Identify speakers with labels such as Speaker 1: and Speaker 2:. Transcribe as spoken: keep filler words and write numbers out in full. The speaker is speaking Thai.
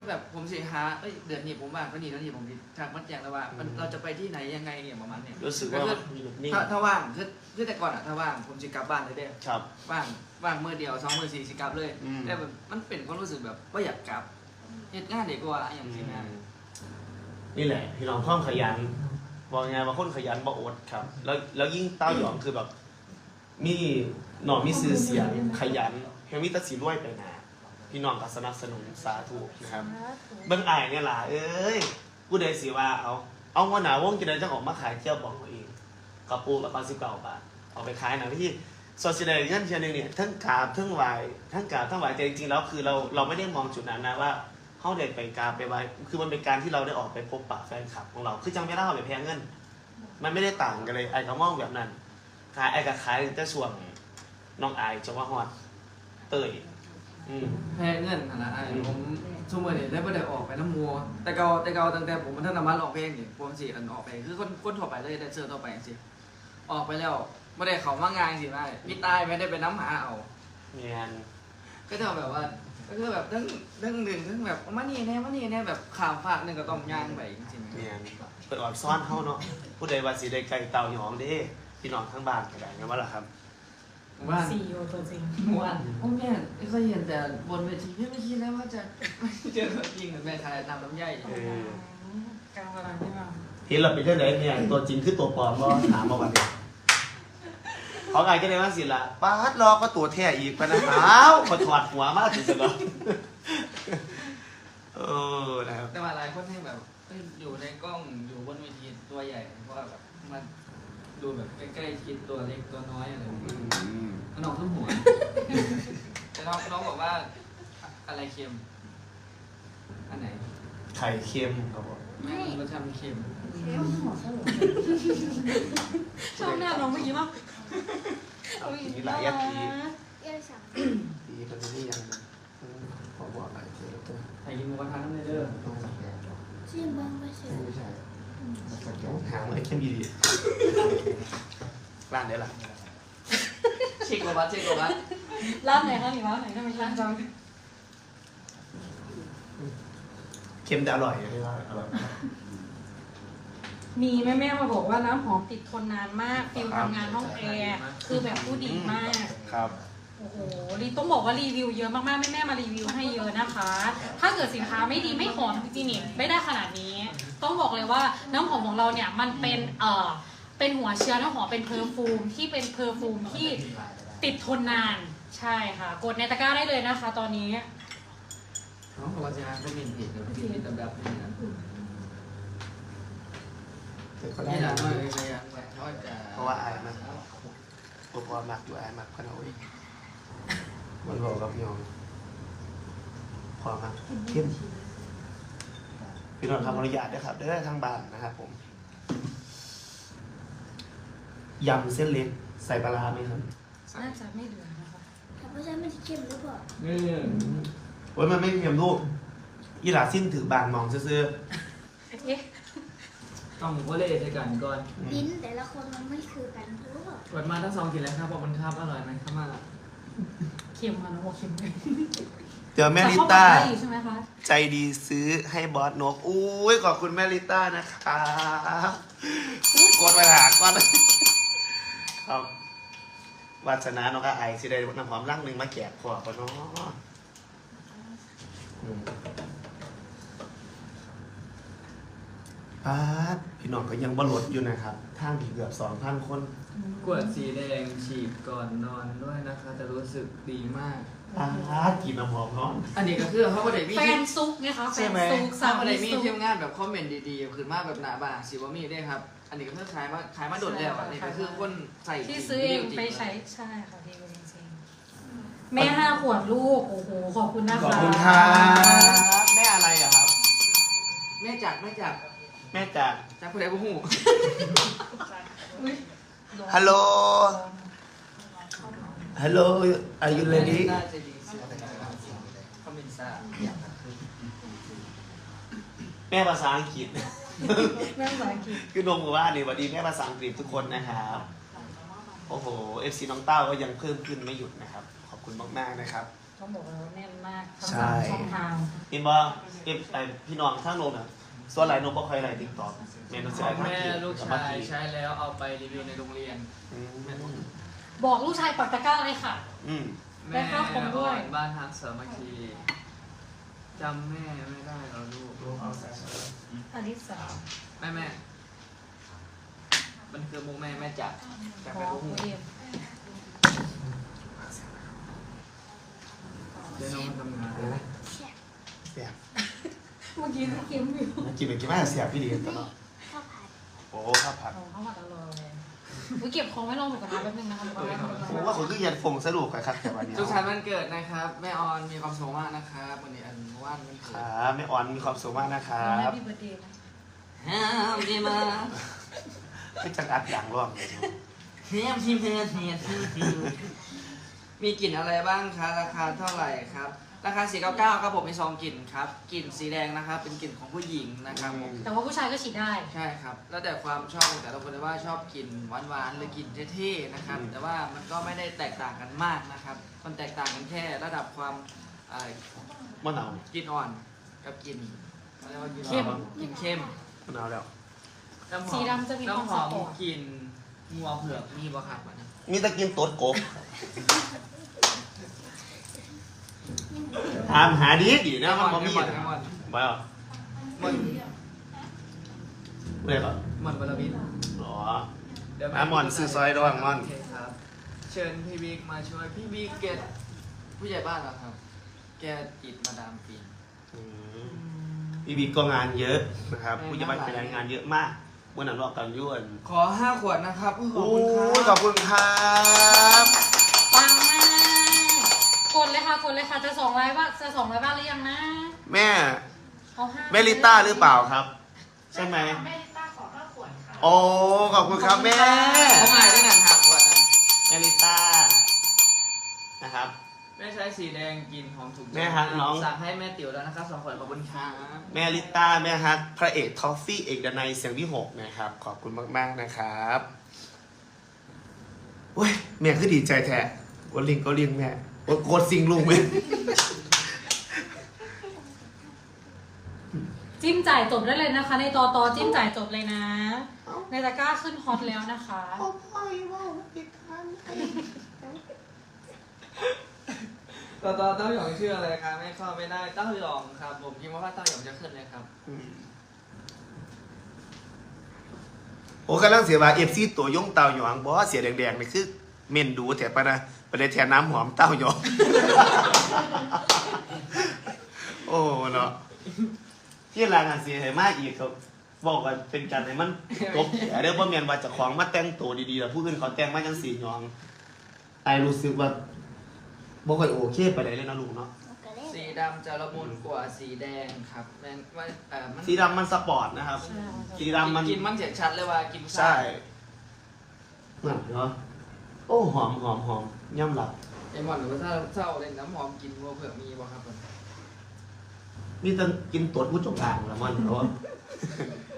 Speaker 1: แบบผมสิหาเอ้ยเดือนนี้ผมว่างก็นี่เดือนนี้ผมทางมันแจ้งแล้วว่าเราจะไปที่ไหนยังไงเนี่ยประมาณเนี่ย
Speaker 2: รู้สึกว่านิ่ง
Speaker 1: ถ้าถ้าว่างคือคือแต่ก่อนอะถ้าว่างผมจะกลับบ้านเลยเด้
Speaker 2: ครับ
Speaker 1: ว่างว่างมือเดียวสองมือสี่สิกลับเลย
Speaker 2: อืม
Speaker 1: แต่แบบมันเป็นความรู้สึกแบบว่าอยากกลับเหตุงานเด็กกว่าอย่างที่งาน
Speaker 2: นี่แหละพี่น้องข้อมขยันบอกไงว่าคนขยันบ่อดครับ แล้วแล้วยิ่งเต้าหยองคือแบบ มีหน่อมีซื้อเสียงขยันเฮมิตาสีรวยไปหนาพี่น้องก็สนับสนุนสาธุนะครับเบิ่งอายเนี่ยล่ะเอ้ยผู้ใดสิว่าเอาเอาว่าหนาวงกินได้จังออกมาขายเจ้าบอกเองกระปูละสิบเก้าบาทเอาไปขายหนังที่โซเชียลเงินเชียร์นึงเนี่ยทั้งกราบทั้งไหวทั้งกราบทั้งไหวแต่จริงๆแล้วคือเราเราไม่ได้มองจุดนั้นนะว่าเขาได้ไปกราบไปไหวคือมันเป็นการที่เราได้ออกไปพบปะแฟนคลับของเราคือจังไม่ได้เอาไปแพงเงินมันไม่ได้ต่างกันเลยไอ้ก็มองแบบนั้นขายไอ้ก็ขายแต่ส่วนน้องไอ้จังว่าฮอดเตยอืม
Speaker 1: แพ้เงินขนาดไอ้ผมชั่วโมงเนี่ยได้ไม่ได้ออกไปน้ำมัวแต่เก่าแต่เก่าตั้งแต่ผมมันท่านนำมาลองเพลงเนี่ยผมสิอันออกไปคือคนคนทั่วไปเลยได้เจอทั่วไปสิออกไปแล้วไม่ได้เขามางานสิไม่พี่ตายไม่ได้ไปน้ำหาเอา
Speaker 2: เนียน
Speaker 1: ก็จะแบบว่าก็คือแบบเรื่องเรื่องหนึ่งเรื่องแบบมานี่แน่มานี่แน่แบบข่าวฝากหนึ่งก็ต้องย่างไปจริงๆ
Speaker 2: เนียนเปิดออดซ่อนเฮาเนาะผู้ใดว่าสิได้ไก่เต่าหยองเด้พี่น้องทั้งบ้านก็ได้งั้นว่าล่ะครับ
Speaker 1: ว่า
Speaker 3: ซีอีโอตัวจริง
Speaker 1: ว่าโอ้แม่ไม่เคยเห็นแต่บนเวทีไม่คิดแล้วว่าจะไม่เจอจริงแม่ชายนำลำไย
Speaker 2: เออ
Speaker 3: กลางเวลาที่เรา
Speaker 2: ที่เราไปเที่ยวไหนเนี่ยตัวจริงคือตัวปลอมก็ถามมาวันนี้เขาไงก็เลยว่าสิละป้าดรอก็ตัวแท้อีกปะนะอ้าวมาถอดหัวมากถึงจะเนาะเออนะครับ
Speaker 1: แต่ว่าหลายคนให้แบบอยู่ในกล้องอยู่บนเวทีตัวใหญ่เพราะว่าแบบมันดูแบบใกล้ๆคิดตัวเล็กตัวน้อยอะไรแบบนี้น้องทั้งหัวแต่น้องน้องบอกว่าอะไรเค็มอันไหน
Speaker 2: ไข่เค็มครับผม
Speaker 1: แม่รสชาติมันเค็ม
Speaker 3: ชอบหน้าน้องเมื่อกี้มั้ง
Speaker 2: มีหลายยัดที
Speaker 4: เอ้ยสั่ง
Speaker 2: ทีมันนี่ยังขอบอกหลายทีตัว
Speaker 1: ใครกินหมูกระทะน้ำเด้อ
Speaker 4: ชิมบ้างไม่ใช่
Speaker 2: ไม่ใช่หาไอ้เข้มดีดีร้านไหนล่ะ
Speaker 1: เช็คโกบัสเช็คโกบัส
Speaker 3: ร้านไหนคะหนิวะไหนทำไมร้านจัง
Speaker 2: เค็มแต่อร่อยไม่ว่าอร่อย
Speaker 3: มีแม่แม่มาบอกว่าน้ำหอมติดทนนานมากฟิลทำงานห้องแอร์คือแบบผู้ดีมาก
Speaker 2: ครับ
Speaker 3: โอ้โหรีต้องบอกว่ารีวิวเยอะมากๆแม่แม่มารีวิวให้เยอะนะคะ ถ้าเกิดสินค้าไม่ดีไม่หอมจริงๆเนี่ยไม่ได้ขนาดนี้ ต้องบอกเลยว่าน้ำหอมของเราเนี่ยมันเป็นเอ่อเป็นหัวเชื้อน้ำหอมเป็นเพอร์ฟูมที่เป็นเพอร์ฟูมที่ติดทนนานใช่ค่ะ กดในตะกร้าได้เลยนะคะ ตอนนี้
Speaker 1: น้องบอกว่าจะหาเป็นผิดหรือผิดผิดแบบแบบนี้นะนี่แหละน้อยเลยเลยเขาจะ
Speaker 2: เพราะว่าอายมันตัวพอมักอยู่อายมักขนาดนี้มันบอกกับยองพอมักเข้มพี่น้องทำอนุญาตด้วยครับได้ทางบ้านนะครับผมยำเส้นเล็กใส่ปลาร้าไหมครับ
Speaker 3: น่าจะไม่เหลือนะคะ
Speaker 4: ถ้าไม่ใช่มันจะเข้มหรือเปล่า
Speaker 1: นี่
Speaker 2: โอ้ยมันไม่มียำลูกอีหลาสิ้นถือบางมองซื่อ
Speaker 3: เอ๊ะ
Speaker 1: ต้องโคเล่ใช้กันก่อน
Speaker 4: ลิ้นแต่ละคนมันไม่คือกันหรือเปล่า
Speaker 1: เปิดมาทั้งสองกินแล้วครับบอกมันครับอร่อยไหมครับมา
Speaker 3: เค็มค่ะน้องบอกเค็มเลย
Speaker 2: ๆเจอแม่ลิ
Speaker 3: แต่
Speaker 2: ต้า
Speaker 3: เขาบอกได้อยู่ใช่ไหมคะ
Speaker 2: ใจดีซื้อให้บอสนกอุ้ยขอบคุณแม่ลิต้านะครับกดไปหาก่อนครับวาสนาน้องก็ไอสิได้น้ำหอมร่างหนึ่งมาแจกขวบปะเนาะอืมป้าดพี่น้องก็ยังบลดอยู่นะครับทางผีเกือบสองพันคน
Speaker 1: กวดสีแดงฉีดก่อนนอนด้วยนะคะจะรู้สึกดีมาก
Speaker 2: ป้าดกินน้ำหอมเนาะ
Speaker 1: อันนี้ก็คือเขาประเดี๋ยวมี
Speaker 3: แฟนซุกไงคะแฟ
Speaker 2: ใช่
Speaker 3: น
Speaker 2: ไหม
Speaker 3: ซุก
Speaker 1: สร้า
Speaker 3: สาง
Speaker 1: ประ
Speaker 3: มี
Speaker 1: เดี๋ยวมี
Speaker 3: ซุก
Speaker 1: เที่ยวงานแบบคอมเมนต์ดีๆขึ้นมาแบบหนาบางสิว่ามีได้ครับ อันนี้ก็คือขายมาขายมาโดดแล้วอันนี้ก็คือคนใส่
Speaker 3: ที่ซื้อเองไปใช้ใช่ค่ะดีจริงๆแม่ห้าขวดลูกโอ้โหขอบคุณนะคะ
Speaker 2: ขอบคุณครับแม่อะไรอะครับ
Speaker 1: แม่จักแม่จัก
Speaker 2: แม่จาก
Speaker 1: จักผู้ใดผู้หู
Speaker 2: ฮัลโหลฮัลโหล are you ready
Speaker 1: น่าจะดีสุดนะครับคอมเมนต์ซ่า
Speaker 2: แม่ภาษาอังกฤษ
Speaker 3: แม่ภาษาอังกฤษ
Speaker 2: คือนงบอกว่านี่สวัสดีแม่ภาษาอังกฤษทุกคนนะครับ โอ้โห เอฟ ซี น้องเต้าก็ยังเพิ่มขึ้นไม่หยุดนะครับ ขอบคุณมากๆนะครับ
Speaker 3: ต้องบอกเลยว่าแน่นมากทั้ง
Speaker 2: ใช่
Speaker 3: สามช่องทาง
Speaker 2: เห็นว่าเอฟไอพี่น้องทั้งโลกน่ะส่วนหลายโน้ตบ่ค่อยไหลติ๊กต็อกแม่น
Speaker 1: ข
Speaker 2: สิ
Speaker 1: อ
Speaker 2: ไอ้
Speaker 1: ง
Speaker 2: ทั้ง
Speaker 1: แม่
Speaker 2: ที
Speaker 1: ลูก
Speaker 2: ส
Speaker 1: ชา
Speaker 2: มาย ธิ
Speaker 1: ใช้แล้วเอาไปรีวิวในโรงเรียน
Speaker 2: อืม
Speaker 3: บอกลูกชายปักตะกร้าเลยค่ะ
Speaker 2: อืม
Speaker 3: ได้
Speaker 1: แม่
Speaker 3: ค่าคอมด้วย
Speaker 1: อ่อนบ้านทางสามัคคีจำแม่ไม่ได้เหรอลูก
Speaker 3: อลิสา
Speaker 1: แม่แม่มันคือมุกแม่แม่จัดจาก
Speaker 3: ข
Speaker 1: ไป
Speaker 3: อ
Speaker 1: พวก
Speaker 3: คุ
Speaker 1: หู
Speaker 3: ยเอง
Speaker 1: เดี๋ยวน้องมาทำงาน
Speaker 2: เสียบ
Speaker 3: เมื่อกี้เค็มอยู่
Speaker 2: มันกินเป็นกินมาเสียบพี่ดีตลอด
Speaker 4: ข้าวผัด
Speaker 2: โอ้ข้าวผัด
Speaker 3: เอาเข้ามาตลอดเลยอุ๊ยเก็บของไว้ลองหมูกระทะแป๊บนึงนะคะหมูกระทะหมูกระ
Speaker 2: ผม
Speaker 3: ทะ
Speaker 2: ว่าผมคือเย็นฟงสรุปไปครับแต่วันนี้
Speaker 1: สุขสันต์วันเกิดนะครับ แม่ออนมีความสุขมากนะครับวันนี้อันว่านวัน
Speaker 2: ค
Speaker 1: เกิด
Speaker 2: รับไม่อ่อนมีความสุขมากนะครั
Speaker 3: น้องแฮป
Speaker 2: บ
Speaker 3: ปี้เบิร์ดเดย์นะ
Speaker 1: แฮมดีมาก
Speaker 2: ไม่จังอัดอย่างร่วงเลย
Speaker 1: แฮมทีมเฮียเฮียมีกลิ่นอะไรบ้างคะราคาเท่าไหร่ครับราคาสี่ร้อยเก้าสิบเก้าครับผมมีสองกลิ่นครับกลิ่นสีแดงนะครับเป็นกลิ่นของผู้หญิงนะครับผม
Speaker 3: แต่ว่าผู้ชายก็ฉีดได้
Speaker 1: ใช่ครับ แล้วแต่ความชอบของแต่ละคนเลยว่าชอบกินหวานๆหรือกินเท่ๆนะครับ แต่ว่ามันก็ไม่ได้แตกต่างกันมากนะครับ มันแตกต่างกันแค่ระดับความเอ่อ
Speaker 2: มะนาว
Speaker 1: กลินอ่อนกับกลินเขาเรียกว่ากิน
Speaker 3: เข้ม
Speaker 1: กลินเข้ม
Speaker 2: มะนาวแล้ว
Speaker 1: น้ำหอม
Speaker 3: สีดำจะมีความ
Speaker 1: น้ำหอม
Speaker 3: สปอร์ต
Speaker 1: กลินงัวเผือกมีบ่ครับอันนี้
Speaker 2: มีตะกินตดกบถามหาดีดีนะมันบ่มี
Speaker 1: มอน
Speaker 2: นะ
Speaker 1: มอน
Speaker 2: บ่เอา
Speaker 1: มอน
Speaker 2: เรียกว่า
Speaker 1: มอนบลบิน
Speaker 2: อ๋อ
Speaker 1: เดี๋ยว
Speaker 2: อ่ะม่อนซื้อซอยระหว่างม่อน
Speaker 1: โอเคครับ เชิญพี่บิ๊กมาช่วยพี่บิ๊กเกตผู้ใหญ่บ้านเหรอครับ แกอิดมาดามปีน
Speaker 2: อืมพี่บิ๊กก็งานเยอะนะครับผู้จะไปไปงานเยอะมากเมื่อนั้นรอบกันยุ่น
Speaker 1: ขอห้าขวดนะครับขอบ
Speaker 2: โอ้
Speaker 1: คุณครับ
Speaker 2: ยขอบคุณครับ
Speaker 3: ปังมากกดเลยค่ะกดเลยค่ะจะสองร้อยบ้างจะสองร้อยบ้างหรือยังนะ
Speaker 2: แม่
Speaker 3: เอาห้า
Speaker 2: แม่ลิต้าหรือเปล่าครับ ใช่ไหม
Speaker 3: แม่ลิต้าขอห้าขวดค่ะ
Speaker 2: โอ้ขอบคุณครับแม่
Speaker 1: เขาหมายได้หนังห้าขวดนะ
Speaker 2: แม่ลิต้านะครับ
Speaker 1: แม่ใช้สีแดงกินหอมถูกใจ
Speaker 2: แม่ฮักน้อง
Speaker 1: สั่งให้แม่ติ๋วแล้วนะครับสองขวดขอบคุณครับ
Speaker 2: แม่ลิต้าแม่ฮักพระเอกทอฟฟี่เอกดนัยเสียงที่หกนะครับ ขอบคุณมากๆนะครับโอ้ยแม่คือดีใจแท้กดลิงก์ก็ลิงก์แม่กดกดซิงลุงแม่
Speaker 3: จิ้มจ่ายจบได้เลยนะคะ ในตอตอจิ้มจ่ายจบเลยนะ ในตะกร้าขึ้นฮอตแล้วนะคะ
Speaker 1: ต่อต่อเต้าหยองชื่ออะไรครับไม่เข้าไม่ได้เต้าหยองครับผมคิดว่าเต้าหยองจะขึ้นเลยครับ
Speaker 2: โอ้กำลังเสียว่าเอฟซีตัวย่งเต่าหยองบอกว่าเสียแดงๆนี่คือเมนดูแถบปะนะไปได้แถน้ำหอมเต้าหยอง โอ้เนาะที่รายงานเสียหายมากอีกครับบอกว่าเป็นการให้มันกบแต่เรื่องว่าเมียนว่าเจะของมาแต่งตัวดีๆแล้วผู้อื่นเขาแต่งมาจังสีหยองไอรู้สึกว่าบ่ค่อยโอเคไปไหนเลยนะลูกเนาะ
Speaker 4: มันก็เล่น
Speaker 1: สีดำจะละมุนกว่าสีแดงครับแม่นว่าเอ่อมัน
Speaker 2: สีดำมันสปอร์ตนะครับ สีดำมัน
Speaker 1: กินมันเสียชัดเลยว่ากิน
Speaker 2: ใช่นั่นเนาะโอ้หอมหอมหอมย่ำหลับ
Speaker 1: ไอหมอนหรือว่าถ้าเศร้าเลยน้ำหอมกินวัวเผือกมีบ่ครับผม
Speaker 2: นี่ต้องกินตรวจผู้จงอางละมันเพราะว่า